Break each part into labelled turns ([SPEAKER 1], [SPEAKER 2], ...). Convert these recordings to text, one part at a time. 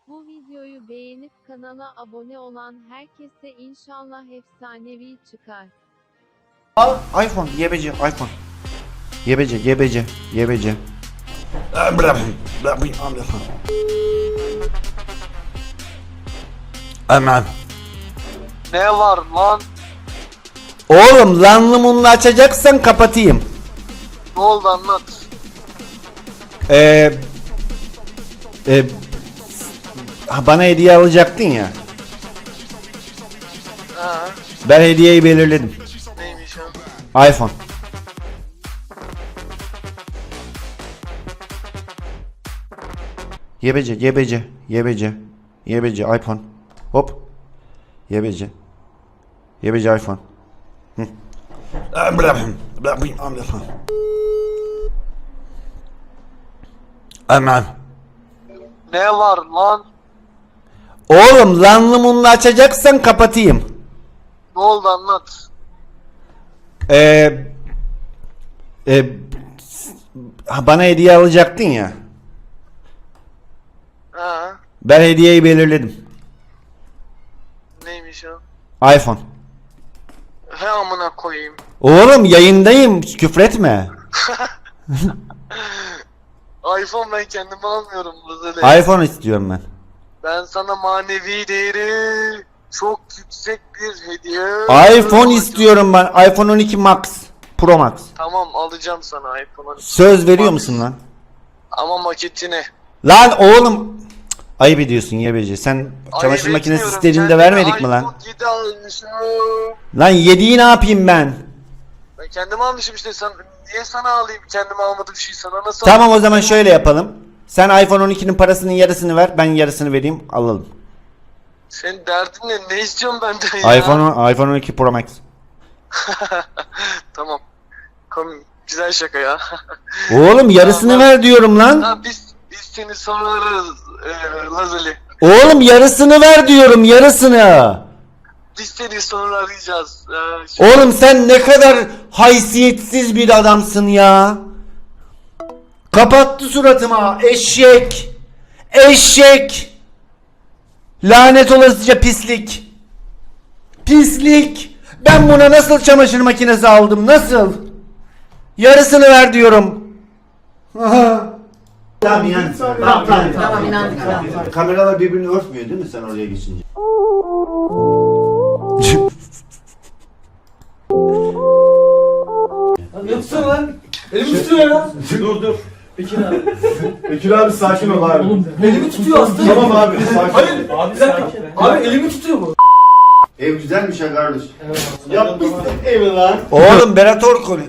[SPEAKER 1] Bu videoyu beğenip kanala abone olan herkese inşallah efsanevi çıkar.
[SPEAKER 2] Al iPhone, yebeci, iPhone. Yebeci. Aman.
[SPEAKER 3] Ne var lan?
[SPEAKER 2] Oğlum lanlı munlu açacaksan kapatayım.
[SPEAKER 3] Ne oldu anlat.
[SPEAKER 2] Bana hediye alacaktın ya.
[SPEAKER 3] Ha,
[SPEAKER 2] Ben hediyeyi belirledim.
[SPEAKER 3] neymiş o?
[SPEAKER 2] iPhone. Yebeci iPhone. Hop. Yebeci iPhone. Hı. Aman.
[SPEAKER 3] Ne var lan?
[SPEAKER 2] Oğlum lanlı munlu açacaksan kapatayım.
[SPEAKER 3] Ne oldu anlat.
[SPEAKER 2] Bana hediye alacaktın ya.
[SPEAKER 3] Ha,
[SPEAKER 2] Ben hediyeyi belirledim.
[SPEAKER 3] neymiş o?
[SPEAKER 2] iPhone.
[SPEAKER 3] He amına koyayım.
[SPEAKER 2] Oğlum yayındayım, küfretme.
[SPEAKER 3] iPhone ben kendime almıyorum Lazeli.
[SPEAKER 2] iPhone istiyorum ben.
[SPEAKER 3] Ben sana manevi değeri çok yüksek bir hediye.
[SPEAKER 2] iPhone istiyorum ben. iPhone 12 Max. Pro Max.
[SPEAKER 3] Tamam alacağım sana iPhone'u.
[SPEAKER 2] Söz veriyor musun lan?
[SPEAKER 3] Ama maketini.
[SPEAKER 2] Lan oğlum. Cık, ayıp ediyorsun yebeci. Sen çamaşır
[SPEAKER 3] Ayıp
[SPEAKER 2] makinesi
[SPEAKER 3] etmiyorum.
[SPEAKER 2] istediğinde
[SPEAKER 3] Kendime
[SPEAKER 2] vermedik mi lan?
[SPEAKER 3] iPhone 7 almışım.
[SPEAKER 2] Lan yediği ne yapayım ben?
[SPEAKER 3] Ben kendime almışım işte. Niye sana alayım? Kendime almadığım şeyi sana nasıl
[SPEAKER 2] Tamam
[SPEAKER 3] alayım?
[SPEAKER 2] o zaman şöyle yapalım. Sen iPhone 12'nin parasının yarısını ver. Ben yarısını vereyim. Alalım.
[SPEAKER 3] Senin derdin ne? Ne istiyorsun benden ya?
[SPEAKER 2] iPhone 12 Pro Max.
[SPEAKER 3] Tamam. Güzel şaka ya.
[SPEAKER 2] Oğlum yarısını
[SPEAKER 3] Tamam.
[SPEAKER 2] ver diyorum lan.
[SPEAKER 3] Ha, biz seni sorarız Lazeli.
[SPEAKER 2] Oğlum yarısını ver diyorum, yarısını.
[SPEAKER 3] Biz seni sonra arayacağız.
[SPEAKER 2] Oğlum sen ne kadar haysiyetsiz bir adamsın ya. Kapattı suratıma eşek. Eşek. Lanet olasıca pislik. Pislik. Ben buna nasıl çamaşır makinesi aldım, nasıl? Yarısını ver diyorum. Tamam inan. Tamam inandık. Kameralar birbirini örtmüyor değil mi sen oraya geçince?
[SPEAKER 4] Ne tutuyor lan? Elimi tutuyor ya.
[SPEAKER 5] Dur.
[SPEAKER 4] Bekir abi sakin ol abi. Oğlum, elimi tutuyor aslında. Tamam abi sakin. Hayır. Abi bir dakika. Abi elimi tutuyor bu.
[SPEAKER 2] Ev güzelmiş ha kardeş.
[SPEAKER 4] Yapmışsın evi lan.
[SPEAKER 2] Oğlum Berat Orkun.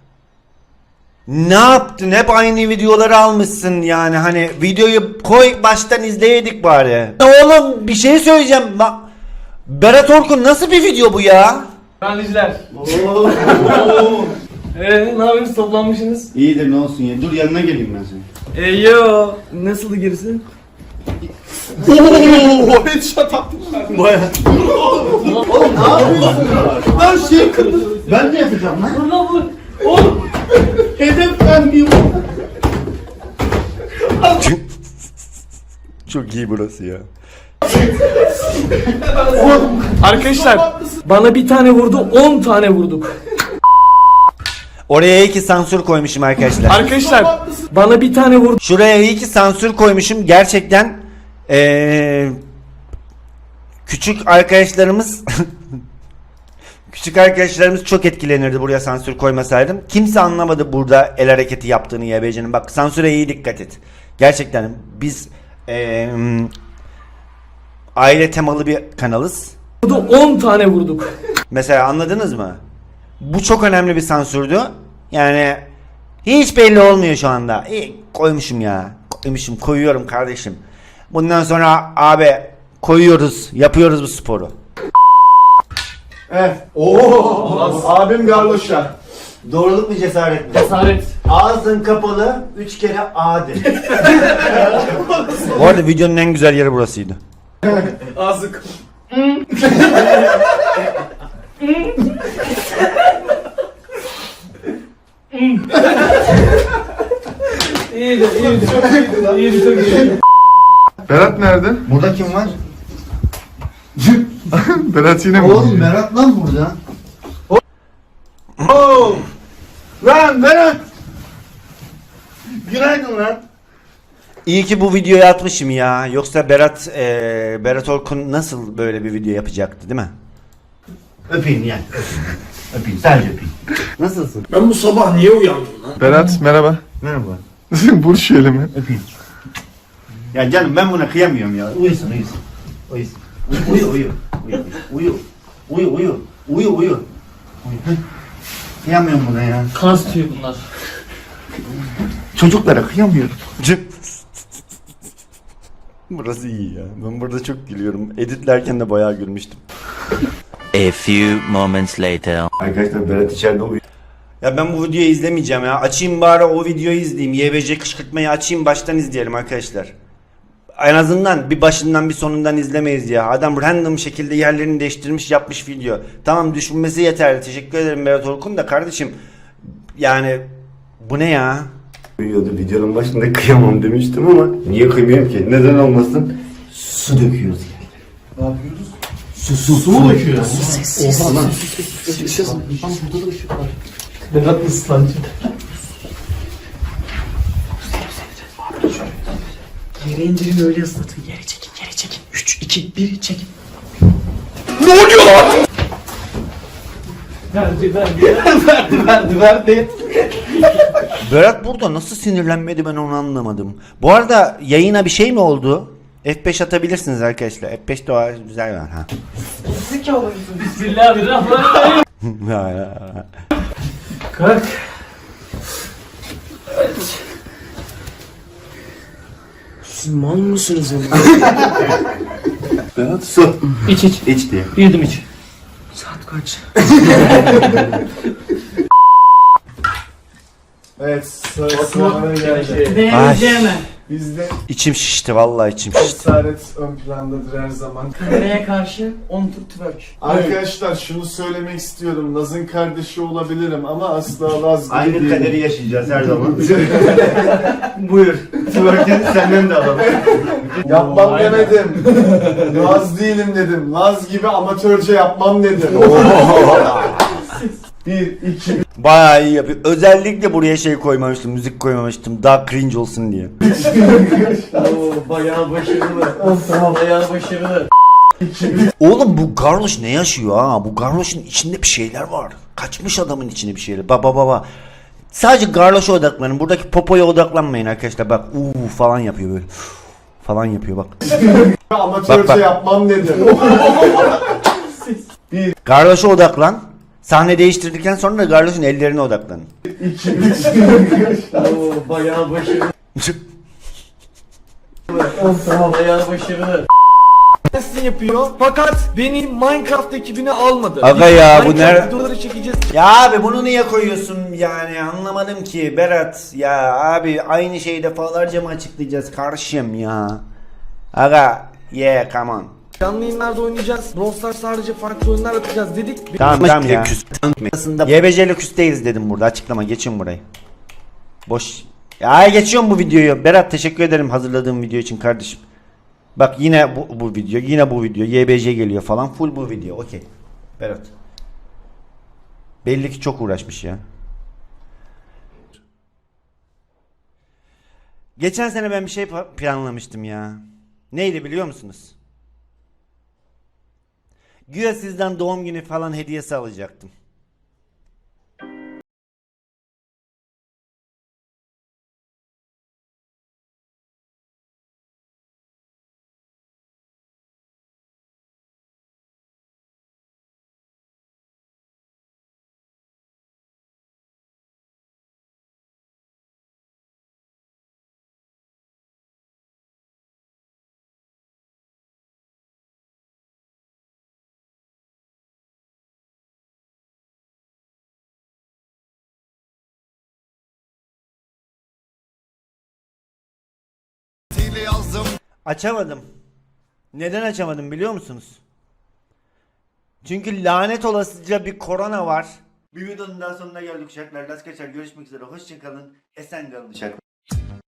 [SPEAKER 2] Ne yaptın? Hep aynı videoları almışsın yani. Hani videoyu koy baştan izleyedik bari. Oğlum bir şey söyleyeceğim. Berat Orkun nasıl bir video bu ya?
[SPEAKER 4] Analizler. Ne yapıyorsunuz? Toplanmışsınız.
[SPEAKER 2] İyidir ne olsun ya. Dur yanına geleyim ben senin.
[SPEAKER 4] Yo. Nasıldı gerisi?
[SPEAKER 5] O headshot attım.
[SPEAKER 2] Baya.
[SPEAKER 4] Oğlum ne yapıyorsun?
[SPEAKER 5] Lan şey kırdı.
[SPEAKER 2] Ben de yapacağım lan.
[SPEAKER 4] Dur lan bu. Oğlum.
[SPEAKER 5] Hedef ben miyim?
[SPEAKER 2] Çok iyi burası ya.
[SPEAKER 4] Arkadaşlar bana bir tane vurdu 10 tane vurduk.
[SPEAKER 2] Oraya iyi ki sansür koymuşum arkadaşlar.
[SPEAKER 4] Arkadaşlar bana bir tane vurdu.
[SPEAKER 2] Şuraya iyi ki sansür koymuşum. Gerçekten küçük arkadaşlarımız küçük arkadaşlarımız çok etkilenirdi buraya sansür koymasaydım. Kimse anlamadı burada el hareketi yaptığını YBC'nin. Bak sansüre iyi dikkat et. Gerçekten biz aile temalı bir kanalız.
[SPEAKER 4] 10 tane vurduk.
[SPEAKER 2] Mesela anladınız mı? Bu çok önemli bir sansürdü. Yani hiç belli olmuyor şu anda. İyi, koymuşum ya. Koyuyorum kardeşim. Bundan sonra abi koyuyoruz, yapıyoruz bu sporu.
[SPEAKER 5] Evet. Oo. Abim garloşa.
[SPEAKER 2] Doğruluk mu cesaret mi?
[SPEAKER 4] Cesaret.
[SPEAKER 2] Ağzın kapalı 3 kere A de. Bu arada videonun en güzel yeri burasıydı.
[SPEAKER 4] Azık. İyiydi. Çok iyiydi.
[SPEAKER 6] Berat nerede?
[SPEAKER 2] Burada kim var?
[SPEAKER 6] Berat yine mi?
[SPEAKER 2] Oğlum Berat lan burada.
[SPEAKER 5] Oh! Lan Berat! Günaydın lan.
[SPEAKER 2] İyi ki bu videoyu atmışım ya. Yoksa Berat Orkun nasıl böyle bir video yapacaktı değil mi? Öpeyim yani. Öpeyim. Sadece öpeyim. Nasılsın?
[SPEAKER 5] Ben bu sabah niye uyandım lan?
[SPEAKER 6] Berat merhaba.
[SPEAKER 2] Merhaba.
[SPEAKER 6] Vur şu elimi.
[SPEAKER 2] Öpeyim. Ya canım ben buna kıyamıyorum ya. Uyusun. Uyusun. Uyu. Kıyamıyorum buna ya.
[SPEAKER 4] Kan tutuyor bunlar.
[SPEAKER 2] Çocuklara kıyamıyorum. Burası iyi ya. Ben burada çok gülüyorum. Editlerken de bayağı gülmüştüm.
[SPEAKER 7] A few moments later.
[SPEAKER 2] Arkadaşlar Berat içeride uyuyor. Ya ben bu videoyu izlemeyeceğim ya. Açayım bari o videoyu izleyeyim. YBC kışkırtmayı açayım baştan izleyelim arkadaşlar. En azından bir başından bir sonundan izlemeyiz ya. Adam random şekilde yerlerini değiştirmiş yapmış video. Tamam düşünmesi yeterli. Teşekkür ederim Berat Orkun da kardeşim. Yani bu ne ya?
[SPEAKER 8] Videonun başında kıyamam demiştim ama niye kıymayayım ki? Neden olmasın?
[SPEAKER 2] Su döküyoruz yani.
[SPEAKER 5] Ne yapıyoruz?
[SPEAKER 2] Su
[SPEAKER 5] mu döküyor?
[SPEAKER 2] Oha lan.
[SPEAKER 5] Burada da ışık var. Berat ıslancı. Yere indirin öyle ıslatın. Yere çekin. 3, 2, 1 çekin. Ne oluyor lan? Verdi.
[SPEAKER 2] Berat burada nasıl sinirlenmedi ben onu anlamadım. Bu arada yayına bir şey mi oldu? F5 atabilirsiniz arkadaşlar. F5 de var, güzel var ha.
[SPEAKER 4] Bismillahirrahmanirrahim. Kalk.
[SPEAKER 5] Siz mal mısınız ama?
[SPEAKER 8] Berat su.
[SPEAKER 4] İç.
[SPEAKER 8] İç diye.
[SPEAKER 4] Bir yudum iç.
[SPEAKER 5] Saat kaç?
[SPEAKER 6] Evet sıra geldi.
[SPEAKER 4] Beğeneceğim mi?
[SPEAKER 6] Bizde
[SPEAKER 2] İçim şişti vallahi içim şişti.
[SPEAKER 6] cesaret ön plandadır her zaman.
[SPEAKER 5] Nereye karşı? 10 tur twerk.
[SPEAKER 6] Arkadaşlar şunu söylemek istiyorum. Laz'ın kardeşi olabilirim ama asla Laz gibi
[SPEAKER 2] Aynı
[SPEAKER 6] değilim.
[SPEAKER 2] kaderi yaşayacağız her zaman.
[SPEAKER 6] Buyur.
[SPEAKER 2] Twerk'ini senden de alalım.
[SPEAKER 6] Yapmam demedim. Laz değilim dedim. Laz gibi amatörce yapmam dedim. 1, 2,
[SPEAKER 2] Bayağı iyi yapıyor. Özellikle buraya şey koymamıştım, müzik koymamıştım. Daha cringe olsun diye.
[SPEAKER 5] Oo, bayağı başarılı. Bayağı başarılı.
[SPEAKER 2] Oğlum bu Garloş ne yaşıyor ha? Bu Garloş'un içinde bir şeyler var. Kaçmış adamın içinde bir şeyler. Baba. Sadece Garloş'a odaklanın. Buradaki popoya odaklanmayın arkadaşlar. Bak falan yapıyor böyle. Falan yapıyor bak.
[SPEAKER 6] amatörce
[SPEAKER 2] Bak.
[SPEAKER 6] yapmam dedim.
[SPEAKER 2] Garloş'a odaklan. Sahne değiştirdikten sonra da Garloş'un ellerine odaklanın.
[SPEAKER 5] Oo, bayağı başarılı. Bayağı başarılı. Yapıyor fakat beni Minecraft ekibine almadı.
[SPEAKER 2] Aga ya, bu
[SPEAKER 5] Minecraft
[SPEAKER 2] nerede?
[SPEAKER 5] videoları çekeceğiz.
[SPEAKER 2] Ya abi bunu niye koyuyorsun yani anlamadım ki Berat. Ya abi aynı şeyi defalarca mı açıklayacağız karşım ya. Aga come on.
[SPEAKER 5] Canlı yayınlarda oynayacağız. Brawl Stars sadece farklı oyunlar atacağız dedik.
[SPEAKER 2] Tamam ya. YBC'li küs değiliz dedim burada açıklama geçin burayı. Boş. Ya geçiyorum bu videoyu. Berat teşekkür ederim hazırladığım video için kardeşim. Bak yine bu video YBC geliyor falan full bu video okey. Berat. Belli ki çok uğraşmış ya. Geçen sene ben bir şey planlamıştım ya. Neydi biliyor musunuz? Güya sizden doğum günü falan hediyesi alacaktım. Açamadım. Neden açamadım biliyor musunuz? Çünkü lanet olasıca bir korona var. Bir videonun daha sonuna geldik uşaklar. Las kaçar. Görüşmek üzere. Hoşçakalın. Esen kalın uşaklar.